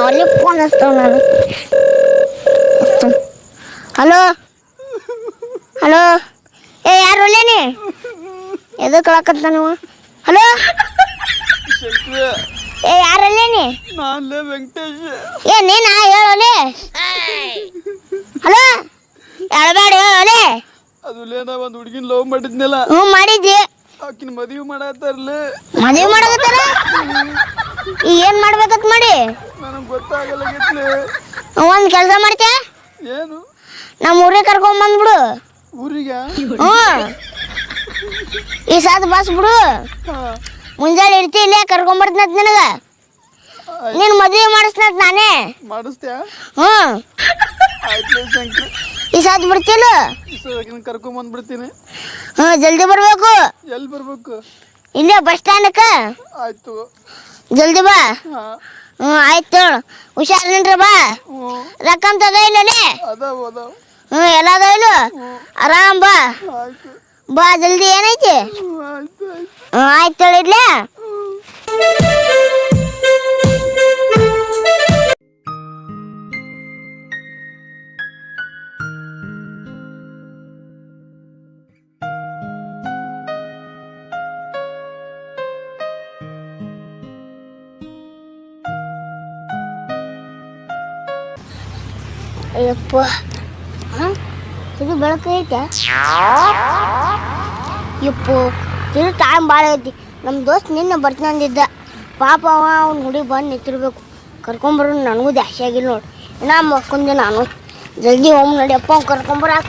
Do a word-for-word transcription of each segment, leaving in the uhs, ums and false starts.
ಅಲ್ಲಿ ಫೋನ್ ಹಚ್ತಾವ ನಾನು. Hello hello ಏ ಯಾರು ಒಲ್ಲೇನಿ ಎದಕ್ಕೆ ಕಳಕತ್ತ ನೀವು? ಹಲೋ ಏ ಯಾರಲ್ಲೇನಿ? ನಾನ್ಲೇ ವೆಂಕಟೇಶ್. ಏ ನೀನಾ ಹೇಳೋಲೆ? ಹಲೋ ಹೇಳಬೇಡ ಹೇಳೋಲೆ. ಅದು ನಾ ಒಂದು ಹುಡುಗಿನ ಲವ್ ಮಾಡಿದ್ನಲ್ಲ. ಹ್ಞೂ ಮಾಡಿದ್ದಿ. ಆಕಿನ ಮದುವೆ ಮಾಡತ್ತಾರಲ್ಲೇ. ಮದುವೆ ಮಾಡಕತ್ತಾರ? ಈಗ ಏನು ಮಾಡ್ಬೇಕತ್ ಮಾಡಿ? ನನಗೆ ಗೊತ್ತಾಗಲಾಗೈತ್ಲೆ. ಒಂದು ಕೆಲಸ ಮಾಡ್ತೀಯ? ಏನು? ನಮ್ಮ ಊರಿಗೆ ಕರ್ಕೊಂಡ್ ಬಂದ್ಬಿಡು. ಊರಿಗೆ? ಹ್ಞೂ ಈ ಸಾತ್ ಬಸ್ ಬಿಡು. ಮುಂಜಾನೆ ಇರ್ತಿ ಇಲ್ಲೇ ಕರ್ಕೊಂಬರ್ತನತ್ ನಿನಗೆ. ನೀನು ಮದುವೆ ಮಾಡಿಸ್ನತ್ ನಾನೇ ಮಾಡಿಸ್ತೀಯಾ? ಹ್ಞೂ ಆಯ್ತು ಶಂಕರ್. ಈ ಸಾತ್ ಬಿಡ್ತಿಲ್ಲ? ಕರ್ಕೊಂಡ್ ಬಂದ್ಬಿಡ್ತೀನಿ. ಹ್ಞೂ ಜಲ್ದಿ ಬರ್ಬೇಕು. ಎಲ್ಲಿ ಬರ್ಬೇಕು? ಇಲ್ಲೇ ಬಸ್ ಸ್ಟ್ಯಾಂಡಕ್ಕೆ. ಆಯ್ತು ಜಲ್ದಿ ಬಾ. ಹಾಂ ಹ್ಞೂ ಆಯ್ತು ಹುಷಾರ್ ನಿಂಡ್ರಿ ಬಾ. ಹ್ಞೂ ರೊಕ್ಕಂತ ಅದ ಇಲ್ಲೇ? ಅದಾವ ಅದಾವ. ಹ್ಞೂ ಎಲ್ಲ ಅದ ಇಲ್ಲ? ಆರಾಮ್ ಬಾ. ಆಯ್ತು ಬಾ ಜಲ್ದಿ. ಏನೈತಿ? ಹ್ಞೂ ಆಯ್ತು ಆಯ್ತು. ಹ್ಞೂ ಆಯ್ತು ಇಡ್ಲೇ. ಅಯ್ಯಪ್ಪ ಹಾಂ ಇದು ಬೆಳಕು ಐತೆ. ಯಪ್ಪ ಇದು ಟೈಮ್ ಭಾಳ ಐತಿ. ನಮ್ಮ ದೋಸ್ತ್ ನಿನ್ನೆ ಬರ್ತೀನಿ ಅಂದಿದ್ದ. ಪಾಪ ಅವ ಅವ್ನ ಹುಡಿ ಬಂದು ನಿಂತಿರ್ಬೇಕು. ಕರ್ಕೊಂಬರೋ ನನಗೂ ದ್ಯಾಶೆ ಆಗಿಲ್ಲ ನೋಡಿ. ಇನ್ನೂ ಮಕ್ಕೊಂದೆ ನಾನು. ಜಲ್ದಿ ಹೋಮ್ ನಡಿಯಪ್ಪ ಅವ್ನು ಕರ್ಕೊಂಬರಾಕ.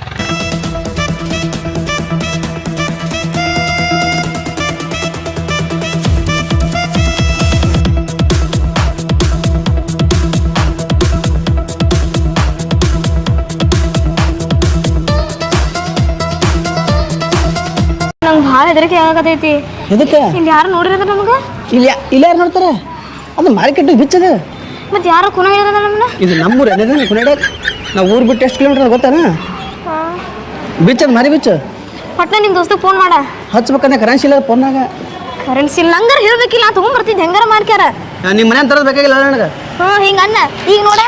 ನಂಗೆ ಭಾಳ ಹೆದರಿಕೆ ಆಗತೈತಿ. ಎದಕ್ಕೆ? ಇಲ್ಲಿ ಯಾರು ನೋಡಿರೋದ ನಮ್ಗೆ? ಇಲ್ಲ ಇಲ್ಲ ಯಾರು ನೋಡ್ತಾರೆ? ಅದು ಮಾರ್ಕೆಟ್ ಬಿಚ್ಚದ. ಮತ್ತೆ ಯಾರೋ ಕುನ ಹೇಳಿರೋದ ನಮ್ಮನ್ನ? ಇದು ನಮ್ಮೂರು ಅದೇ ಕುನೇಡ. ನಾವು ಊರು ಬಿಟ್ಟು ಎಷ್ಟು ಕಿಲೋಮೀಟರ್ ಗೊತ್ತಾನ? ಬಿಚ್ಚದ ಮಾರಿ ಬಿಚ್ಚ. ಪಟ್ನ ನಿಮ್ಮ ದೋಸ್ತಿಗೆ ಫೋನ್ ಮಾಡ. ಹಚ್ಬೇಕಂದ್ರೆ ಕರೆನ್ಸಿ ಇಲ್ಲ ಫೋನ್ನಾಗ. ಕರೆನ್ಸಿ ಇಲ್ಲ ಹಂಗಾರ ಹೇಳ್ಬೇಕಿಲ್ಲ. ನಾ ತೊಗೊಂಡ್ಬರ್ತಿದ್ದೆ ಹೆಂಗಾರ ಮಾಡ್ಕ್ಯಾರ. ನಿಮ್ಮ ಮನೆ ತರೋದು ಬೇಕಾಗಿಲ್ಲ ನನಗೆ. ಹ್ಞೂ ಹಿಂಗೆ ಅನ್ನ ಈಗ ನೋಡ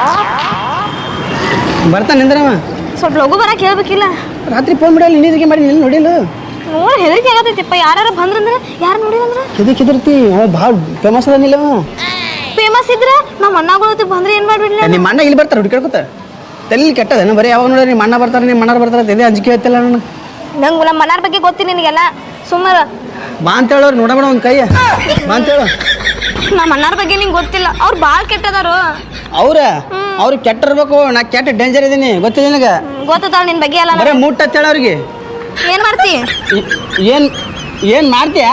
ಬರ್ತಾನೆ ನಿಂದ್ರವ. ಸ್ವಲ್ಪ ಲಘು ಬರಕ್ಕೆ ಹೇಳ್ಬೇಕಿಲ್ಲ. ರಾತ್ರಿ ಫೋನ್ ಬಿಡಲ್ಲ ಇನ್ನಿದ್ರಿಗೆ ಮಾಡಿ ನಿಲ್ಲ ನೋಡಿಲ್ಲ. ನೋಡಿ ಹೆದರಿಕೆ ಆಗತೈತಿಪ್ಪ. ಯಾರು ಬಂದ್ರಂದ್ರೆ ಯಾರು ನೋಡಿದಂದ್ರೆ ಕೆದಕ್ಕೆ ಹೆದರ್ತಿ? ಅವ ಭಾಳ ಫೇಮಸ್ ಅದಾನಿಲ್ಲ. ಫೇಮಸ್ ಇದ್ರೆ ನಮ್ಮ ಅಣ್ಣಗಳು ಬಂದ್ರೆ ಏನು ಮಾಡ್ಬಿಡ್ಲಿ? ನಿಮ್ಮ ಅಣ್ಣ ಇಲ್ಲಿ ಬರ್ತಾರೆ ಹುಡುಕಾಡ್ಕೊತ. ತಲೆ ಕೆಟ್ಟದೇನು ಬರೀ ಯಾವಾಗ ನೋಡ್ರಿ ನಿಮ್ಮ ಅಣ್ಣ ಬರ್ತಾರೆ ನಿಮ್ಮ ಅಣ್ಣಾರು ಬರ್ತಾರೆ ತೆದೆ ಅಂಜಿಕೆ ಐತಿಲ್ಲ ನಾನು. ನಂಗೆ ನಮ್ಮ ಮನಾರ ಬಗ್ಗೆ ಗೊತ್ತಿ ನಿನಗೆಲ್ಲ. ಸುಮ್ಮನೆ ಬಾ ಅಂತ ಹೇಳೋರು ನೋಡಬೇಡ ಒಂದು ಕೈ ಬಾ ಅಂತ ಹೇಳು. ನಮ್ಮ ಅಣ್ಣಾರ ಬಗ್ಗೆ ನಿಂಗೆ ಗೊತ್ತಿಲ್ಲ. ಅವ್ರು ಭಾಳ ಕೆಟ್ಟದಾರು. ಅವ್ರ ಅವ್ರು ಕೆಟ್ಟಿರ್ಬೇಕು. ನಾ ಕೆಟ್ಟ ಡೇಂಜರ್ ಇದೀನಿ ಗೊತ್ತಿಲ್ಲ ನಿನಗೆ. ಗೊತ್ತಾಳ ನಿನ್ನ ಬಗ್ಗೆ ಎಲ್ಲ. ಬರೀ ಮುಟ್ಟ ಅಂತ ಹೇಳ ಅವ್ರಿಗೆ. ಏನು ಮಾಡ್ತಿ? ಏನು ಏನು ಮಾಡ್ತೀಯ?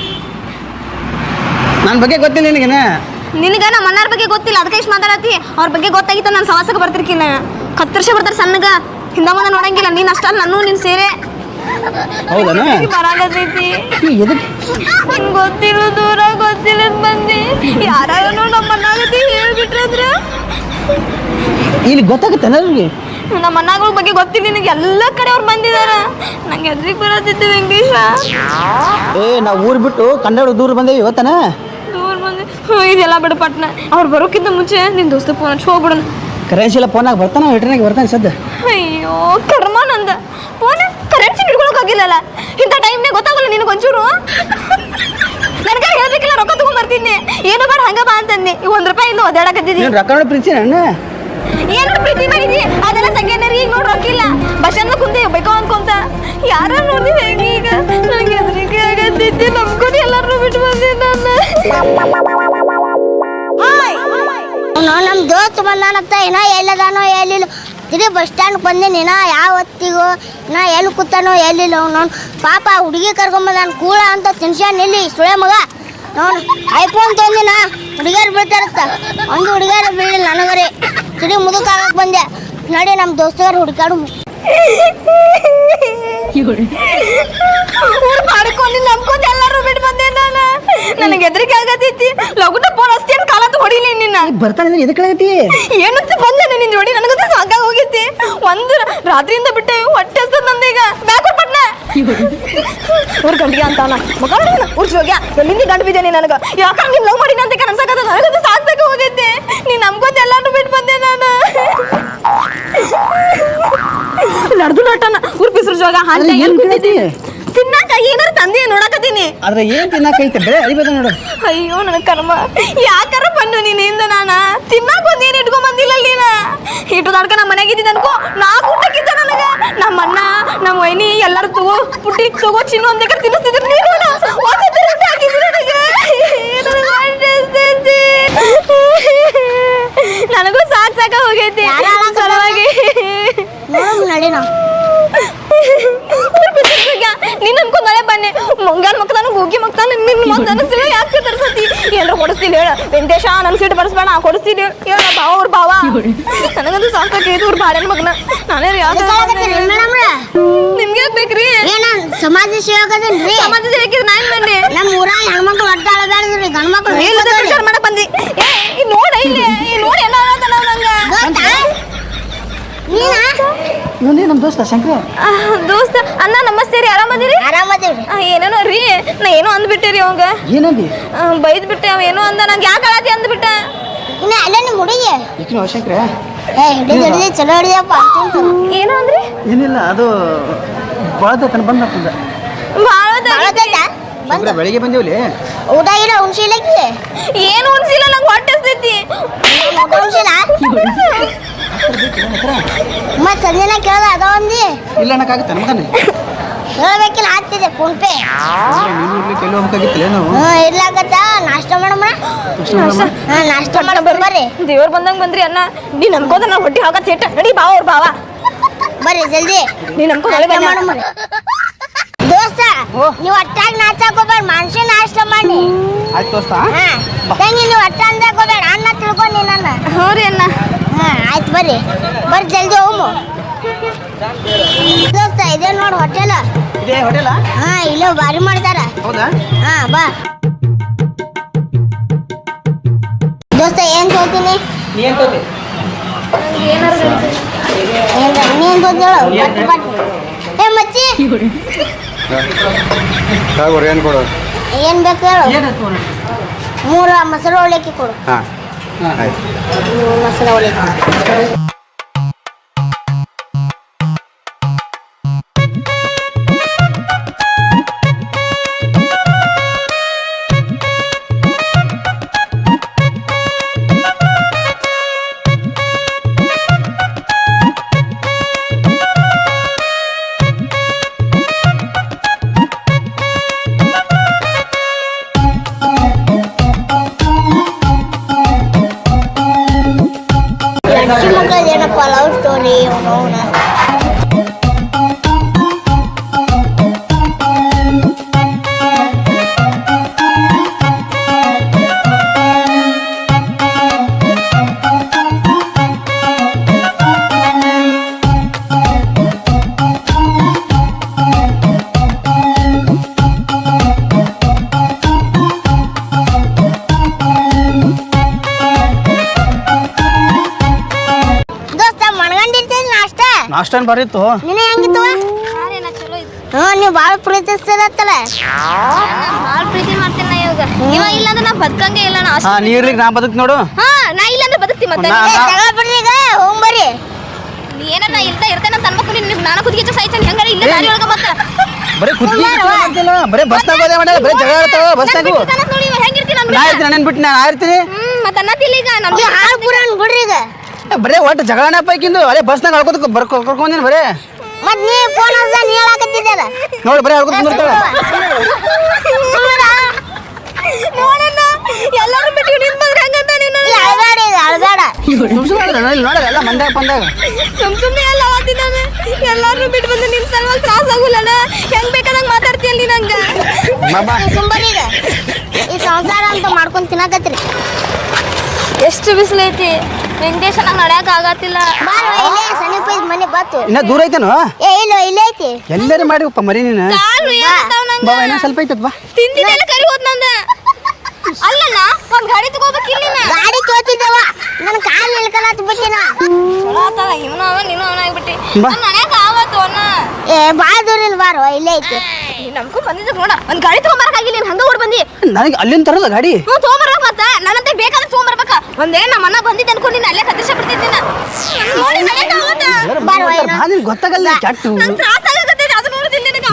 ನನ್ನ ಬಗ್ಗೆ ಗೊತ್ತಿಲ್ಲ ನಿನಗೇನ? ನಿನಗೆ ನಮ್ಮ ಅಣ್ಣಾರ ಬಗ್ಗೆ ಗೊತ್ತಿಲ್ಲ ಅದಕ್ಕೆ ಇಷ್ಟು ಮಾತಾಡತ್ತಿ. ಅವ್ರ ಬಗ್ಗೆ ಗೊತ್ತಾಗಿತ್ತು ನಾನು ಸವಾಸಕ್ಕೆ ಬರ್ತಿರ್ಕಿಲ್ಲ. ಕತ್ತರ್ಸೆ ಬರ್ತಾರೆ ಸಣ್ಣಗ. ಹಿಂದ ಮುಂದೆ ನೋಡಂಗಿಲ್ಲ. ನೀನು ಅಷ್ಟಲ್ಲ ನಾನು ನಿನ್ನ ಸೇರೆ ಹೌದಾ? ಬರಾಗತೈತಿ. ಎದಕ್ಕೆ? ನಿಂಗೆ ಗೊತ್ತಿಲ್ಲ ದೂರ ಗೊತ್ತಿಲ್ಲ ಬಂದು ಯಾರು ನಮ್ಮ ಅಣ್ಣಾಗತಿ ಹೇಳ್ಬಿಟ್ರಂದ್ರ ಇಲ್ಲಿ ಗೊತ್ತಾಗುತ್ತೆ ಅವ್ರಿಗೆ. ನಮ್ಮ ಅಣ್ಣಗಳ ಬಗ್ಗೆ ಗೊತ್ತಿಲ್ಲ ನಿನಗೆ. ಎಲ್ಲ ಕಡೆ ಅವ್ರು ಬಂದಿದಾರ. ನಂಗೆ ಎದ್ರಿಗೆ ಬರತ್ತಿತ್ತು ವೆಂಕಟೇಶ. ಏ ನಾವು ಊರು ಬಿಟ್ಟು ಕನ್ನಡ ದೂರ ಬಂದೇವಿ ಇವತ್ತನ. ದೂರ ಬಂದು ಹ್ಞೂ ಇದೆಲ್ಲ ಬಿಡು ಪಟ್ನ. ಅವ್ರು ಬರೋಕ್ಕಿಂತ ಮುಂಚೆ ನಿನ್ನ ದೋಸ್ತ ಫೋನ್ ಹಚ್ಚಿ ಹೋಗ್ಬಿಡೋಣ. ಕರೆನ್ಸಿ ಇಲ್ಲ ಫೋನಾಗ ಬರ್ತಾನೆ ರಿಟರ್ನಾಗಿ ಬರ್ತಾನೆ ಸದ್ಯ. ಅಯ್ಯೋ ಕರ್ಮ ನಂದ. Phone currency ಹಿಡ್ಕೊಳಕ್ಕಾಗಿಲ್ಲಲ್ಲ. ಇಂಥ ಟೈಮ್ನಾಗ ಗೊತ್ತಾಗಲ್ಲ ನಿನಗೆ ಒಂಚೂರು. ನನಗೆ ಹೇಳ್ಬೇಕಿಲ್ಲ. ರೊಕ್ಕ ತಗೊಂಡ್ಬರ್ತೀನಿ. ಏನು ಬೇಡ ಹಂಗ ಬಾ ಅಂತಂದೆ. ಈಗ ಒಂದು ರೂಪಾಯಿ ಇಲ್ಲ ಒದ್ದಾಡಕತ್ತಿದ್ದಿ. ನೀನು ರೊಕ್ಕ ನೋಡಿ ಪ್ರೀತಿ ನನ್ನ ಏನು ಪ್ರೀತಿ ಮಾಡಿದ್ವಿ ಅದೆಲ್ಲ ಸೆಕೆಂಡರಿ. ಈಗ ನೋಡಿ ರೊಕ್ಕಿಲ್ಲ. ಬಸ್ ಸ್ಟ್ಯಾಂಡ್ ಕುಂತೆ ಬೇಕೋ ಅನ್ಕೊಂತ ಯಾರು ನೋಡಿದ್ವಿ ಹೆಂಗೆ. ಈಗ ನನಗೆ ಹೆದರಿಕೆ ಆಗತ್ತಿದ್ದೆ. ನಮ್ಕೊಂಡು ಎಲ್ಲರೂ ಬಿಟ್ಟು ಬಂದೆ ನಾನು. ನಮ್ಮ ದೋಸ್ತ್ ಬಂದಾನತ್ತ. ಏನೋ ಎಲ್ಲದಾನೋ ಎಲ್ಲಿಲ್ಲ. ತಿರುಗಿ ಬಸ್ ಸ್ಟ್ಯಾಂಡ್ ಬಂದೇನಿ. ನಾ ಯಾವ ಹೊತ್ತಿಗೋ ನಾ ಎಲ್ಲಿ ಕೂತಾನೋ ಎಲ್ಲಿಲ್ಲ. ಅವ್ನು ಪಾಪ ಹುಡುಗಿ ಕರ್ಕೊಂಬಂದಾನ ಕೂಳ ಅಂತ ತಿನ್ಸ್ಯಾನ. ಇಲ್ಲಿ ಸುಳೆ ಮಗ ನೋಡು ಐಫೋನ್ ತೊಂದಿನ ಹುಡುಗಿಯರು ಬೀಳ್ತಾರತ್ತ. ಒಂದು ಹುಡುಗಿಯರು ಬೀಳಿಲ್ಲ ನನಗರಿ. ತಿರುಗಿ ಮುದುಕಾಗಕ್ಕೆ ಬಂದೆ. ನೋಡಿ ನಮ್ಮ ದೋಸ್ತರು ಹುಡುಕಾಡು ಮಾಡ್ಕೊಂಡು ನಂಬ್ಕೊಂಡು ಎಲ್ಲರೂ ಬಿಟ್ಟು ಬಂದೆ ನಾನು. ನನಗೆ ಹೆದರಿಕೆ ಆಗತೈತಿ. ಲಗುನ ಫೋನ್ ಅಷ್ಟೇನು ಕಾಲತ್ತು ಹೊಡಿಲಿ ನಿನ್ನ. ಬರ್ತಾನೆ ಎದಕ್ಕಾಗತಿ? ಏನಂತ ಬಂದೆ ನಿನ್ನ ಜೋಡಿ. ನನಗಂತೂ ಸಾಕಾಗಿ ಹೋಗೈತಿ. ಒಂದು ರಾತ್ರಿಯಿಂದ ಬಿಟ್ಟೆ ಹೊಟ್ಟೆ ಹಸ್ತದ ನಂದೀಗ. ಬ್ಯಾಕ್ ಪಟ್ನ ಊರ್ ಗಂಟಿಗೆ ಅಂತಾನ ಮಗ ಊರ್ ಹೋಗ್ಯ ಎಲ್ಲಿಂದ ಗಂಟು ಬಿದ್ದೇನೆ ನನಗೆ. ಯಾಕಂದ್ರೆ ನೀನು ಲವ್ ಮಾಡಿನ ಅಂತ ಕನಸಾಕತ್ತ. ನನಗಂತೂ ಸಾಕಾಗಿ ಹೋಗೈತಿ. ಇವಾಗ ಹಾಲ್ ಅಲ್ಲ, ಏನ್ ಕೂತಿದ್ದೆ ಕೇಳತಿ? ತಿನ್ನಾಕ ಏನಾರ ತಂದೆ ನೋಡಕತ್ತೀನಿ. ಆದ್ರೆ ಏನ್ ತಿನ್ನಕೈತೆ ಬರೇ ಅರಿಬೇದ ನೋಡು. ಅಯ್ಯೋ ನನ್ನ ಕರ್ಮ, ಯಾಕಾರ ಬಂದು ನೀನಿಂದ ನಾನ ತಿನ್ನಾಕ ಒಂದೇನು ಇಟ್ಕೊಂಡ್ ಬಂದಿಲ್ಲ ನೀನ. ಇಟ್ಟು ತಡ್ಕ ನಮ್ಮ ಮನೆಗೆ ಇದ್ದಿದ್ದ ಅನ್ಕೋ ನಾಲ್ಕು ಊಟಕ್ಕಿದ್ದ ನನಗ. ನಮ್ಮ ಅಣ್ಣ ನಮ್ಮ ವೈನಿ ಎಲ್ಲರೂ ತಗೋ ಪುಟ್ಟಿ ತಗೋ ಚಿನ್ನು ಒಂದೇ ಕಡೆ ತಿನ್ನಿಸ್ತಿದ್ರು. ನೀನು ಒಂದೇ ಊಟ ಹಾಕಿದ್ರು ನನಗೆ. ನನಗೂ ಸಾಕ್ ಸಾಕ ಹೋಗೈತಿ ಸಲುವಾಗಿ. ನಡಿ ನಾವು ನೀನ್ ಅನ್ಕೊಂಡ್ ಮಳೆ ಬನ್ನಿ ಮುಂಗಾಲ ಮಕ್ತಾನ ಹೋಗಿ ಮಕ್ತಾನ ನಿನ್ ಮತ್ ಅನಿಸಿಲ್ಲ. ಯಾಕೆ ತರ್ಸತಿ ಏನ್ರ ಕೊಡಿಸ್ತೀನಿ ಹೇಳ ವೆಂಕಟೇಶ, ನನ್ ಸೀಟ್ ಬರ್ಸ್ಬೇಡ ಕೊಡಿಸ್ತೀನಿ ಹೇಳ ಭಾವ ಅವ್ರ ಭಾವ. ನನಗಂತೂ ಸಾಕಾಗೈತಿ ಅವ್ರ ಬಾಡನ್ ಮಗನ. ನಾನೇ ನಿಮ್ಗೆ ಯಾಕೆ ಬೇಕ್ರಿ? ಏನ ಸಮಾಜ ಸೇವಕದೇನ್ರಿ? ಸಮಾಜ ಸೇವಕಿದ್ ನಾನ್ ಬನ್ನಿ. ನಮ್ಮ ಊರಾಗ ಹೆಣ್ಮಕ್ಳು ಒಟ್ಟ ಅಳಬ್ಯಾಡ್ದ್ರಿ, ಗಂಡ್ ಮಕ್ಳು ವಿಚಾರ ಮಾಡಕ್ ಬಂದಿ. ಏ ನೋಡ ಇಲ್ಲಿ ನೋಡಿ ಎಲ್ಲ ನಂಗ ನೀನಾ ಇವನೇ ನಮ್ಮ ದೋಸ್ತ ಶಂಕರ. ದೋಸ್ತ ಅಣ್ಣ ನಮಸ್ತೆ ರೀ, ಆರಾಮದಿರಿ? ಆರಾಮದೇವ್ರಿ. ಏನೇನೋ ರೀ ನಾ ಏನೋ ಅಂದ್ಬಿಟ್ಟೆ ಅವಂಗ. ಏನಂದಿ? ಬೈದ್ ಬಿಟ್ಟೆ ಅವ ಏನೋ ಅಂದ. ನಂಗೆ ಯಾಕೆ ಅಳತಿ ಅಂದ್ಬಿಟ್ಟ. ಇನ್ನ ಅಲ್ಲೇ ನಿಮ್ಮ ಹುಡುಗಿ ಈಕಿನ ಶಂಕರ. ಏ ಹಿಡಿದು ಹಿಡಿದು ಚಲೋ ಹಿಡಿದಪ್ಪ ಅಂತಿಂತು. ಏನೋ ಅಂದ್ರಿ? ಏನಿಲ್ಲ, ಅದು ಬಾಳತನ ಬಂದ ಭಾಳ ಶಂಕರ. ಬೆಳಿಗ್ಗೆ ಬಂದೇವ್ಲಿ, ಊಟ ಗಿಡ ಉಣ್ಸಿಲ್ಲಕ್ಕಿ ಏನು ಉಣ್ಸಿಲ್ಲ, ನಂಗೆ ಹೊಟ್ಟೆ ಹಸ್ದೈತಿ. ಉಣ್ಸಿಲ್ಲ ಮತ್ ಸಂಜೆನ ಕೇಳ್ದ ಅದ ಒಂದಿ ಇಲ್ಲ ಅನ್ನಕ್ಕಾಗತ್ತೆ ಮಗನೇ. ಹೇಳ್ಬೇಕಿಲ್ಲ ಆಗ್ತಿದೆ ಫೋನ್ ಪೇ. ನೀನು ಇರ್ಲಿಕ್ಕೆ ಎಲ್ಲಿ ಹೋಗ್ಬೇಕಾಗಿತ್ತಿಲ್ಲ ನಾವು. ಹ್ಞೂ ಇರ್ಲಾಗತ್ತ ನಾಷ್ಟ ಮಾಡಮ್ಮ. ಹಾ ನಾಷ್ಟ ಮಾಡ ಬರ್ರಿ. ದೇವ್ರ ಬಂದಂಗ ಬಂದ್ರಿ ಅಣ್ಣ. ನೀ ನಮ್ಕೋದ ನಾ ಹೊಟ್ಟಿ ಹಾಕ ಸೇಟ ನಡಿ ಭಾವ ಅವ್ರ ಭಾವ. ಬರ್ರಿ ಜಲ್ದಿ ನೀ ನಮ್ಕೋ ಒಳಗೆ ಬನ್ನಿ. ಮಾಡಮ್ಮ ದೋಸ್ತ, ನೀವು ಒಟ್ಟಾಗಿ ನಾಚಾಕ್ ಹೋಗ್ಬೇಡ, ಮನುಷ್ಯ ನಾಷ್ಟ ಮಾಡಿ. ಆಯ್ತು ದೋಸ್ತ. ಹಾ ತಂಗಿ ನೀವು ಒಟ್ಟ ಅಂದಾಕ್ ಹೋಗ್ಬೇಡ, ಅನ್ನ ತಿಳ್ಕೊಂಡಿ ನನ್ನ. ಹ್ಞೂ ರೀ ಅಣ್ಣ. ಹಾ ಆಯ್ತು ಬರ್ರಿ ಬರ್ರಿ ಜಲ್ದಿ ಹೋಮು. ದೋಸ್ತ ಇದೇ ನೋಡಿ ಹೋಟೆಲ್. ಇದೇ ಹೋಟೆಲ? ಹಾ ಇಲ್ಲೋ ಬಾರಿ ಮಾಡ್ತಾರ. ಹೌದಾ? ಹಾ ಬಾ ದೋಸ್ತ ಏನ್ ತೋತೀನಿ? ನೀ ಏನ್ ತೋತಿ? ಏನ್ ನೀನ್ ತೋತೇಳು ಬಟ್ ಬಟ್. ಏ ಮಚ್ಚಿ ಏನು ಕೊಡು? ಏನ್ ಬೇಕು ಹೇಳು. ಏನು ತೋರಿ? ಮೂರು ಮೊಸರು ಅವಲಕ್ಕಿ ಕೊಡು. ಹಾಂ ಆಯ್ತು. ಮೂರು ಮೊಸರು ಅವಲಕ್ಕಿ. ಅಕ್ಕಿ ಮಕ್ಕಳದ್ದು ಏನಪ್ಪ ಲವ್ ಸ್ಟೋರಿ ಅವನ. ನಾಷ್ಟನ್ ಬರೀತು. ನಿನ್ನ ಹೆಂಗಿತ್ತು? ಹ್ಞೂ ನೀವು ಭಾಳ ಪ್ರೀತಿಸ್ತಿರತ್ತಲ್ಲ. ಭಾಳ ಪ್ರೀತಿ ಮಾಡ್ತೀನಿ ನಾ ಇವಾಗ. ಇವ ಇಲ್ಲ ಅಂದ್ರೆ ನಾ ಬದುಕಂಗೆ ಇಲ್ಲ. ನಾ ಹಾ ನೀ ಇರ್ಲಿಕ್ಕೆ ನಾ ಬದುಕ್ ನೋಡು. ಹಾ ನಾ ಇಲ್ಲ ಅಂದ್ರೆ ಬದುಕ್ತಿ ಮತ್ತೆ. ನಾ- ನಾ- ಜಗಳ ಬಿಡ್ರಿ ಈಗ ಹೋಗ್ ಬರ್ರಿ. ಏನಾರ ನಾ ಇರ್ತಾ ಇರ್ತೇನೆ ಅಂತ ಅನ್ಬೇಕು. ನೀನು ನಾನು ಕುದಿಗೆ ಸಾಯ್ತಾನೆ ಹೆಂಗಾರ ಇಲ್ಲ ದಾರಿ ಒಳಗೆ ಮತ್ತೆ. ಬರೀ ಕುದ್ದಿ ಅಂತಿಲ್ಲ, ಬರೀ ಬಸ್ನಾಗ ಹೋದೆ ಮಾಡ, ಬರೀ ಜಗಳ ಆಡ್ತಾವ ಬಸ್ನಾಗು. ನೋಡಿ ಇವ ಹೆಂಗಿರ್ತೀನಿ ನಾ ಇರ್ತೀನಿ, ನನ್ನ ಬಿಟ್ಟು ನಾನು ಇರ್ತೀನಿ. ಹ್ಮ್ ಮತ್ತೆ ಅನ್ನತಿಲ್ಲ ಈಗ ನಾನು. ಈಗ ಹಾಳು ಪುರಾಣ ಬಿಡ್ರಿ ಈಗ. ಬರೀ ಒಟ್ಟು ಜಗಳನ ಪೈಕಿಂದು ಅದೇ ಬಸ್ನಾಗ ಆಡ್ಕೋತ ಬರ್ ಕರ್ಕೊಂಡೇನು ಬರೀ. ಮತ್ ನೀ ಫೋನ್ ಹಚ್ಚ ನೀ ಹೇಳಕತ್ತಿದ್ದಲ್ಲ. ನೋಡಿ ಬರೀ ಆಡ್ಕೋತ ಬರ್ತಾಳೆ. ನೋಡಣ್ಣ ಎಲ್ಲರೂ ಬಿಟ್ಟು ನಿನ್ ಬಂದ್ರೆ ಹಂಗಂತ ನೀನು. ಅಳಬೇಡ ಈಗ ಅಳಬೇಡ. ನೋಡ ಎಲ್ಲ ಮಂದ್ಯಾಗ ಬಂದಾಗ ಸುಮ್ ಸುಮ್ಮನೆ ಎಲ್ಲ ಅವತ್ತಿದ್ದಾನೆ. ಎಲ್ಲಾರು ಬಿಟ್ಟು ಬಂದು ನಿನ್ ಸಲುವಾಗಿ ತ್ರಾಸ ಆಗುಲ್ಲಣ್ಣ. ಹೆಂಗ್ ಬೇಕಾದಂಗ ಮಾತಾಡ್ತೀಯಲ್ಲ ನೀ ನಂಗ. ಬಾಬಾ ಸುಂಬರಿ ಈಗ ಈ ಸಂಸಾರ ಅಂತ ಮಾಡ್ಕೊಂಡ್ ತಿನ್ನಕತ್ರಿ. ಎಷ್ಟು ಬಿಸಿಲೈತಿ ವೆಂಕಟೇಶ, ನಂಗೆ ನಡ್ಯಾಕ ಆಗತ್ತಿಲ್ಲ. ಬಾರ ಇಲ್ಲೇ ಸಮೀಪ ಇದ್ ಮನೆ ಬಾತು. ಇನ್ನ ದೂರ ಐತೇನು? ಏ ಇಲ್ಲ ಇಲ್ಲೇ ಐತಿ. ಎಲ್ಲರೂ ಮಾಡಿವಪ್ಪ ಮರಿ ನೀನು. ಕಾಲು ಏನಾಗ್ತಾವ ನಂಗ. ಬಾಬಾ ಇನ್ನೂ ಸ್ವಲ್ಪ ಐತತ್ ಬಾ. ತಿಂದಿದ್ದೆಲ್ಲ ಕರಿ ಹೋದ್ ನಂದ. ಅಲ್ಲಣ್ಣ ಒಂದ್ ಗಾಡಿ ತಗೋಬೇಕಿಲ್ಲ ನೀನ. ಗಾಡಿ ತೋತಿದ್ದವ ನನ್ನ ಕಾಲ್ ನಿಲ್ಕಲತ್ ಬಿಟ್ಟಿನ. ಚಲೋ ಆತಲ್ಲ, ಇವನು ಅವ ನೀನು ಅವನ ಆಗ್ಬಿಟ್ಟಿ. ಬಾ. ನಾನು ನಡ್ಯಾಕ ಆವತ್ತು ಅಣ್ಣ. ಏ ಬಾಳ ದೂರ ಇಲ್ಲ ಬಾರೋ ಇಲ್ಲೇ ಐತಿ. ನಮ್ಗೂ ಬಂದಿದ್ದ ನೋಡ, ಒಂದ್ ಗಾಡಿ ತಗೊಂಬರಕಾಗಿಲ್ಲ. ನೀನ್ ಹಂಗ ಓಡ್ ಬಂದಿ. ನನಗೆ ಅಲ್ಲಿಂದ ತರಲ್ಲ ಗಾಡಿ. ಹ್ಞೂ ತಗೊಂಬರ್ಬೇಕು ಮತ್ತ. ನನ್ನಂತೆ ಬೇಕಾದ್ರೆ ತಗೊಂಬರ್ಬೇಕ. ಒಂದೇ ನಮ್ಮ ಅಣ್ಣ ಬಂದಿದ್ದ ಅನ್ಕೊಂಡು ನೀನು ಅಲ್ಲೇ ಕತ್ತಿಸ ಬಿಡ್ತಿದ್ದಿನ ನೋಡಿ ನಡ್ಯಾಕ ಆವತ್ತ. ಬಾರೋ ಏನೋ ಗೊತ್ತಾಗಲ್ಲ ಚಟ್ಟು. ನಂಗೆ ತ್ರಾಸ ಆಗಕತ್ತೈತಿ.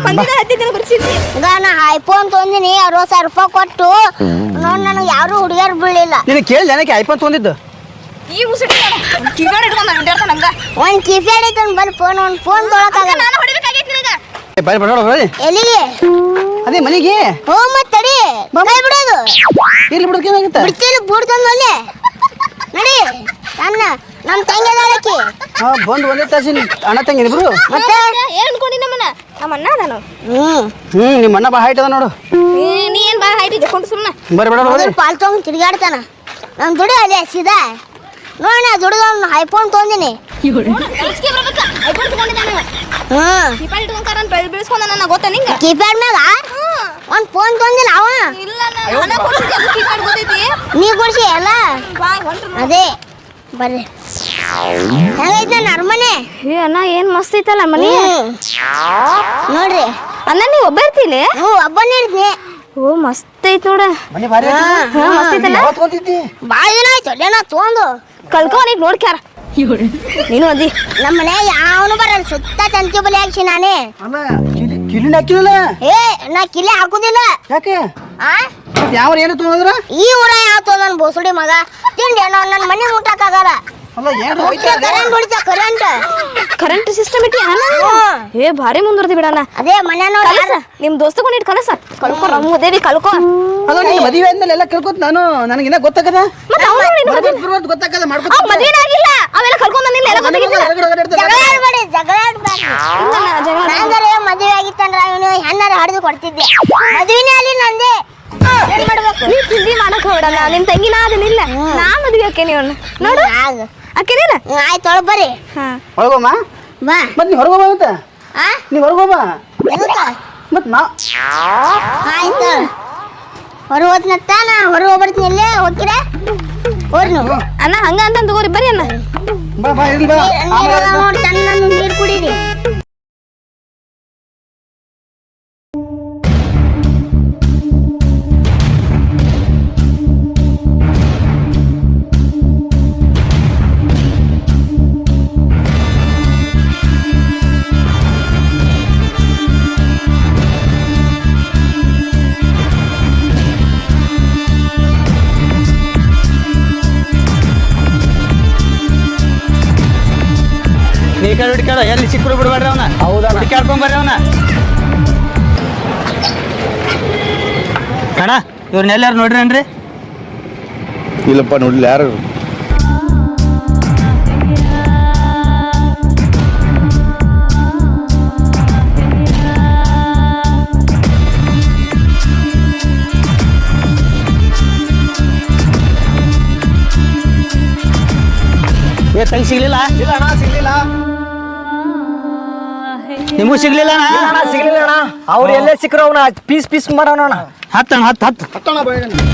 ಮಂದಿದ ಹತ್ತಿದ್ದಿನ ಬರ್ಸಿದ್ನಿ ಈಗ ನಾ ಐಫೋನ್ ತೊಂದಿನಿ ಅರವತ್ತು ಸಾವಿರ ರೂಪಾಯಿ ಕೊಟ್ಟು ನೋಡ್ ನನಗೆ ಯಾರು ಹುಡುಗಿಯರು ಬೀಳಿಲ್ಲ. ನೀನು ಕೇಳಿ ಜನಕ್ಕೆ ಐಫೋನ್ ತೊಗೊಂಡಿದ್ದು ಈ ಮುಸುಡಿ ಕಿವಿಯಾಡ ಇಟ್ಕೊಂಡ್ ಅಡ್ಡಾಡ್ತಾನ ಹಂಗ ಒಂದ್ ಕಿಫ್ಯಾಡ್ ಐತನ್ ಬಲ್ ಫೋನ್ ಒಂದ್ ಫೋನ್ ತೊಗೊಳಕಾಗಲ್ಲ. ನಾನು ಹೊಡಿಬೇಕಾಗೈತಿ ನಿನಗ ಬಾಯ್ ಬರೋಣ ಬರ್ರಿ ಎಲ್ಲಿಗೆ ಅದೇ ಮನೆಗೆ ಹೋ ಮತ್ ತಡಿ ಕೈ ಬಿಡೋದು ಇರ್ಲಿ ಬಿಡೋಕೆ ಏನಾಗುತ್ತೆ ಬಿಡ್ತಿಲ್ಲ ಬೂಡ್ ತಂದೊಲ್ಲೆ ನಡಿ ನನ್ನ ನಮ್ಮ ತಂಗಿ ಅದಾಳಕಿ ಹಾ ಬಂದು ಒಂದೇ ತಾಸಿ ಅಣ್ಣ ತಂಗಿ ಇಬ್ರು ಮತ್ತೆ ಏನ್ ಅನ್ಕೊಂಡಿ ನಮ್ಮನ್ನ ನಮ್ಮ ಅಣ್ಣ ಅದಾನು ಹ್ಮ್ ಹ್ಮ್ ನಿಮ್ಮ ಅಣ್ಣ ಬಾ ಹೈಟ್ ಅದ ನೋಡು ನೀ ಏನ್ ಬಾ ಹೈಟ್ ಇದ್ಕೊಂಡು ಸುಮ್ಮನೆ ಬರ್ರಿ ಬೇಡ ಮೊದಲು ಪಾಲ್ ತಗೊಂಡ್ ತಿರ್ಗಾಡ್ತಾನ ನಮ್ ದುಡಿ ಅಲ್ಲಿ ಸೀದಾ ನೋಡ ದುಡಿದ ಐಫೋನ್ ತೊಂದಿನಿ ಕಳಿಸ್ಕೆ ಬರ್ಬೇಕ ಐಫೋನ್ ತಗೊಂಡಿದ್ದಾನ ಹ್ಮ್ ದೀಪಾವಳಿ ಇಟ್ಕೊಂಡ್ಕಾರ ಅಂತ ಬೆಳೆಸ್ಕೊಂಡ ನನಗೆ ಗೊತ್ತಾ ನಿಂಗೆ ಕೀಪ್ಯಾಡ್ ಮ್ಯಾಗ ಒಂದ್ ಫೋನ್ ತೊಂದಿಲ್ಲ ಅವ ಇಲ್ಲ ಹಣ ಕೊಡ್ಸಿದ್ದೆ ಅದು ಕೀಪ್ಯಾಡ್ ಗೊತ್ತೈತಿ ನೀ ಕೊಡ್ಸಿ ಅಲ್ಲ ಬಾ ಹೊಂಟ್ರು ಅದೇ ಬರ್ರಿ ಹೆಂಗೈತ್ ನನ್ನ ಅರಮನೆ ಏ ಅಣ್ಣ ಏನ್ ಮಸ್ತ್ ಐತಲ್ಲ ಮನಿ ಹ್ಮ್. ನೋಡ್ರಿ ಅಣ್ಣ ನೀವು ಒಬ್ಬ ಇರ್ತೀಲಿ ಹ್ಞೂ ಒಬ್ಬನೇ ಇರ್ತೀನಿ ಓ ಮಸ್ತ್ ಐತ್ ನೋಡ ಮನೆ ಭಾರಿ ಹಾ, ಹಾ ಮಸ್ತ್ ಐತಲ್ಲ ಯಾವತ್ತು ಬಂದಿದ್ದಿ ಭಾಳ ದಿನ ಆಯ್ತು ಅಲ್ಲೇನ ತೊಗೊಂಡು ಕಲ್ಕೋನಿಗ್ ನೋಡ್ಕ್ಯಾರ ನೀನು ಅದಿ ನಮ್ಮ ಮನೆ ಯಾವನು ಬರಲ್ಲ ಸುತ್ತ ತಂತಿ ಬಲಿ ಹಾಕ್ಸಿ ನಾನೇ ಅಲ್ಲ ಕಿಲಿ ಕಿಲಿನ ಹಾಕಿಲ್ಲ ಏ ನಾ ಕಿಲೆ ಹಾಕುದಿಲ್ಲ ಯಾಕೆ ಆ ಮತ್ತೆ ಯಾವ ಏನು ತೊಗೊಂಡ್ರ ಈ ಊರ ಯಾವ ತೊಗೊಂಡ್ ಬೋಸುಡಿ ಮಗ ತಿಂಡಿ ನಾನು ನನ್ನ ಮನೆ ಮುಟ್ಟಕ್ಕಾಗಲ್ಲ ಅಲ್ಲ ಏನು ಕರೆಂಟ್ ಹೊಡಿತ ಕರೆಂಟ್ ಕರೆಂಟ್ ಸಿಸ್ಟಮ್ ಇಟ್ಟಿ ಅಣ್ಣ ಏ ಭಾರಿ ಮುಂದುವರ್ದಿ ಬಿಡಣ್ಣ ಅದೇ ಮನೆ ನೋಡಿ ಕಲಸ ನಿಮ್ ದೋಸ್ತಗೊಂಡು ಇಟ್ ಕಲಸ ಕಲ್ಕೋ ನಮ್ಮ ದೇವಿ ಕಲ್ಕೋ ಅಲ್ಲ ನೀನು ಮದುವೆ ಆದ್ಮೇಲೆ ಎಲ್ಲ ಕೇಳ್ಕೊತ ನಾನು ನನಗಿನ್ನ ಗೊತ್ತಾಗದ ಮತ್ತೆ ಅವ್ನು ನಿನ್ ಮದ್ವೆ- ಬರೋದು ಗೊತ್ತಾಗದ ಮಾಡ್ಕೊತ ಅವ್ ಮದ್ವೆನೇ ಆಗಿಲ್ಲ ಅವೆಲ್ಲ ಕಲ್ಕೊಂಡ್ ಬಂದಿಲ್ಲ ಎಲ್ಲ ಗೊತ್ತಾಗಿಲ್ಲ ಜಗಳ ಆಡ್ಬೇಡಿ ಜಗಳ ಆಡ್ಬೇಡಿ ಇಲ್ಲ ಅಣ್ಣ, ಜಗಳ ನಾಂದರೆ ಮದುವೆ ಆಗಿತ್ತಂದ್ರ ಅವನು ಹೆಣ್ಣಾರ ಹಡ್ದು ಕೊಡ್ತಿದ್ದೆ ಮದುವೆನೇ ಅಲ್ಲಿ ನಂದೆ ಏನ್ ಮಾಡ್ಬೇಕು ನೀ ಚಿಂದಿ ಮಾಡಕ್ ಹೋಗ್ಬಿಡಣ್ಣ ನಿಮ್ ತಂಗಿನ ಅದನ್ನಿಲ್ಲ ನಾ ಮದ್ವೆ ಆಕೆ ನೀವು ನೋಡು ಆಗ ಆಕೆನೇನ ಆಯ್ತು ಒಳಗ್ ಬರ್ರಿ ಹಾ ಹೊರಗೋಮ್ಮ ಬಾ ಮತ್ತೆ ನೀ ಹೊರಗೋಬ ಮತ್ತೆ ಆ ನೀ ಹೊರಗೋಬ ಎದಕ್ಕ ಮತ್ತೆ ನಾ ಆಯ್ತು ಹೊರ ಹೋದ್ನತ್ತ ನಾ ಹೊರ ಹೋಗ್ಬರ್ತೀನಿ ಇಲ್ಲೇ ಹೋಗ್ತೀರ ಹೋರಿ ನೀವು ಅಣ್ಣ ಹಂಗ ಅಂತ ತಗೋರಿ ಬರ್ರಿ ಅಣ್ಣ ಬಾ ಬಾ ಇರ್ಲಿ ಬಾ ನೀರು ನೋಡಿ ತನ್ನ ನೀರು ಕುಡೀರಿ ನೀ ಕಡೆ ಹುಡುಕಾಡ ಎಲ್ಲಿ ಸಿಕ್ಕರು ಬಿಡ್ಬೇಡ್ರಿ ಅವನ ಹೌದಾ ಹುಡುಕಾಡ್ಕೊಂಡ್ ಬರ್ರಿ ಅವನ ಕಣ ಇವ್ರನ್ನ ಎಲ್ಲಾರು ನೋಡ್ರೇನ್ರಿ ಇಲ್ಲಪ್ಪ ನೋಡ್ಲಿ ಯಾರು ಏ ತಂಗಿ ಸಿಗ್ಲಿಲ್ಲ ಇಲ್ಲ ಅಣ್ಣ ಸಿಗ್ಲಿಲ್ಲ ನಿಮಗೂ ಸಿಗ್ಲಿಲ್ಲ ಅಣ್ಣ ಸಿಗ್ಲಿಲ್ಲ ಅಣ್ಣ ಅವ್ರು ಎಲ್ಲೇ ಸಿಕ್ಕರು ಅವನ ಪೀಸ್ ಪೀಸ್ ಮಾಡೋಣ ಅಣ್ಣ ಹತ್ತಣ ಹತ್ತು ಹತ್ತು ಹತ್ತಣ ಬಾಯಿ